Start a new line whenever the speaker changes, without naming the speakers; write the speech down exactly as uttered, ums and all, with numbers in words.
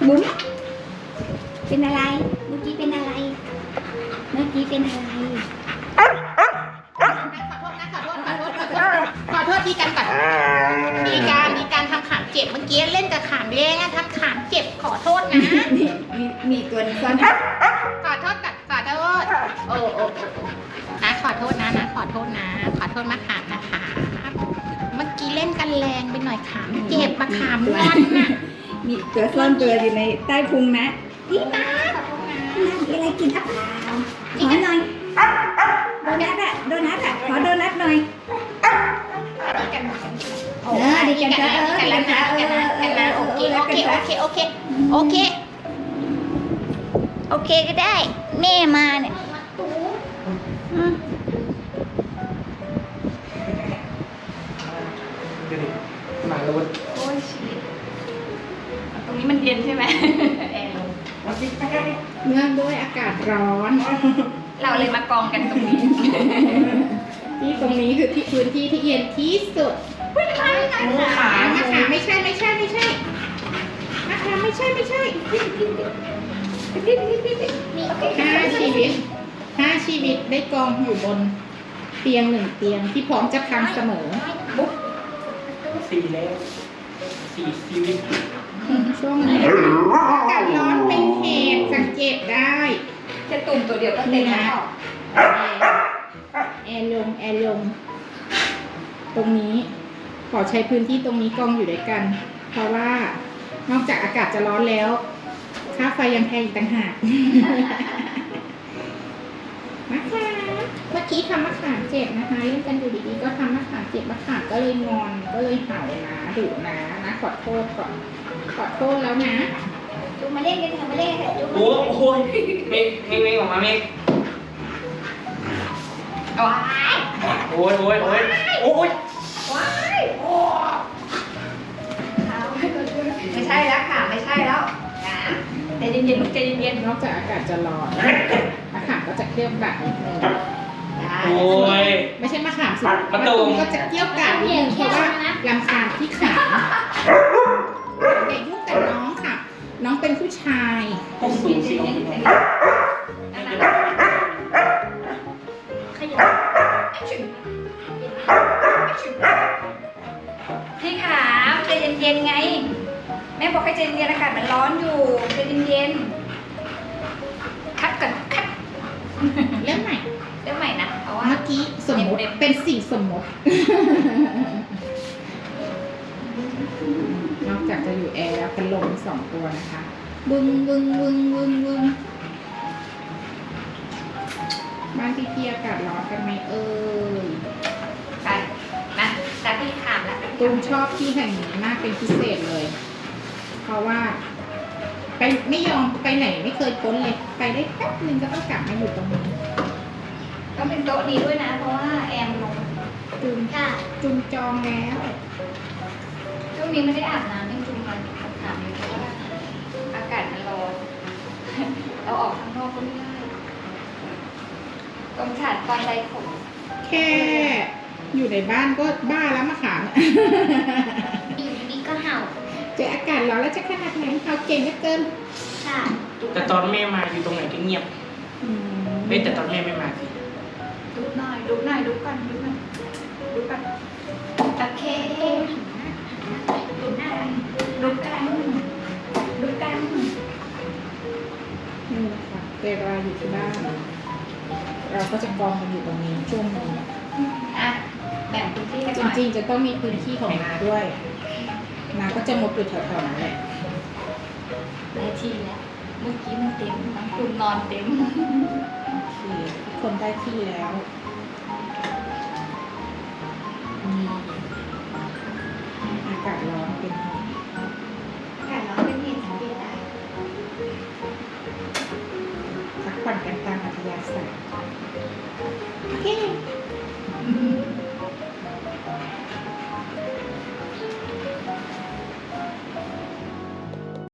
บุ๋มเป็นอะไรเมื่อกี้เป็นอะไรเมื่อกี้เป็นอะไร
ขอโทษนะขอโทษขอโทษขอโทษขอโทษดีกันก่อนดีการดีการทำขามเจ็บเมื่อกี้เล่นกับขามแรงทำขามเจ็บขอโทษนะ
มีมีมีตัวนึงซ่อน
ขอโทษกับขอโทษโอ้โอ้นะขอโทษนะนะขอโทษนะขอโทษมะขามนะคะเมื่อกี้เล่นกันแรงไปหน่อยขามเจ็บมะขามงอนน่ะ
มีตัวซ่อนตัวอยู่ในใต้พุงนะพี่มา
ขอโทษนะ
น่ามีอะไรกินอ่ะเปล่าขอหน่อยโดนัทอะโดนัทอะขอโดนัทหน่อย
ดีกัน
เออดีกันจ้ะเออ
กันแล้วนะกันนะกันนะโอเคโอเคโอเคโอเคโอเคโอเคก็ได้แม่มาเนี่ยอืม
ดูดิหมาลุ้น
โอ้ยชีวิตตรงนี้มันเย็นใช่ไหมแอร์ลง
เนื่องด้วยอากาศร้อน
เราเลยมากองกันตรงนี้
ที่ตรงนี้คือที่พื้นที่ที่เย็นที่สุด
ไม่ไม่ไม่
มะขามมะขามไม่ใช่ไม่ใช่ไม่ใช่มะขามไม่ใช่ไม่ใช่
มีโอเค
ห้าชีวิตห้าชีวิตได้กองอยู่บนเตียงหนึ่งเตียงที่พร้อมจะพังเสมอ
บุ๊ก
สี่แล้วสี่ชีวิต
ช่วงนี้อากาศร้อนเป็นเหตุสังเกตได้
จะตุ่มตัวเดียวก็เต็มแล้ว
แอร์ลงแอร์ลงตรงนี้ขอใช้พื้นที่ตรงนี้กองอยู่ด้วยกัน เพราะว่านอกจากอากาศจะร้อนแล้ว ค่าไฟยังแพงอีกต่างหากมะขามเมื่อกี้ทำมะขามเจ็บนะคะเล่นกันอยู่ดีๆก็ทำมะขามเจ็บมะขามก็เลยงอนก็เลยเห่านะดุนะนะขอโทษก่อนขอโทษแล้วนะ
จูมาเล่นกันเถอะมาเล่นกันเถอะจูมา
โอ้
เล่นกัน
โหเมฆเมฆเมฆออกมาเมฆ
ว้าย
โอ้ยโอ้ยโอ้ยโอ้ย
ว้ายโอ้ไม่ใช่แล้วค่ะไม่ใช่แล้วนะใจเย็นๆลูกใจเย็น
นอกจากอากาศจะร้อนมะขามก็จะเกรี้ยวกราดนิดนึง
ๆได้
โอ้ย
ไม่ใช่มะขามสิ
มะตูม
ก็จะเกรี้ยวกราดนิดนึงเพราะว่าลำคาญที่ขาอย่ายุ่งกับน้องค่ะ น้องเป็นผู้ชาย
ต้องสูงสิน้องพี่น้อง
ขยับพี่ขามใจเย็นๆไง แม่บอกให้ใจเย็นๆอากาศมันร้อนอยู่ใจเย็นๆคัดก่อนคัด
เรื่องใหม่
เริ่มใหม่นะเพราะว่า
เมื่อกี้สมมติเป็นสิ่งสมมติ นอกจากจะอยู่แอร์แล้วเป็นลมสองตัวนะคะบึ้งบึ้งบึ้งบึ้งบึ้งบ้านพี่ๆอากาศร้อนกันไหมเอ่ย
ไปนะจากพี่ขามแล้ว
ตูมชอบที่แห่งนี้มากเป็นพิเศษเลย เพราะว่า ไปไม่ยอมไปไหนไม่เคยพ้นเลย ไปได้แป๊บนึงก็ต้องกลับมาอยู่ตรงนี้
ต้องเป็นโต๊ะนี้ด้วยนะ เพราะว่าแอร์มันลง
จุน
ค่ะ
จุนจองแล้ว
ช่วงนี้ไม่ได้อาบน้ำไม่จุ่มมันอาบอยู่เพราะว่าอากาศมันร้อน เราออกข้างนอกก็ไม่ได้ตรงฉาดตอนใดขม
แค่อยู่ในบ้านก็บ้าแล้วมะขาม
อยู่ดีๆก็เห่า
เจออากาศร้อนแล้วจะขนาดไหนเขาเก่งเหลือเกิน
ค่ะ
แต่ตอนแม่มาอยู่ตรงไหนก็เงียบ
อืม
เฮ้ยแต่ตอนแม่ไม่มาสิ
ดูหน่อยดูหน่อยดูกันดูกันดูกันโอเคดูหน้าดูกันดูกัน
นี่นะคะเวลาอยู่ที่บ้าน เราก็จะกองกันอยู่ตรงนี้ช่วงนี้
อ่ะแบ่งพื้นที่กัน
จ
หน่อย
ริงๆจะต้องมีพื้นที่ของนาด้วยนาก็จะมุดอยู่แถวๆนั้นแหละ
ได้ที่แล้ว เมื่อกี้มันเต็มน้องคุณนอนเต็ม
โอเคทุกคนได้ที่แล้วนี่อากาศร้อนเป็น
อากาศร้อนเป็นเหตุสังเกตได้
พักผ่อนกันตามอัธยาศัยโอเค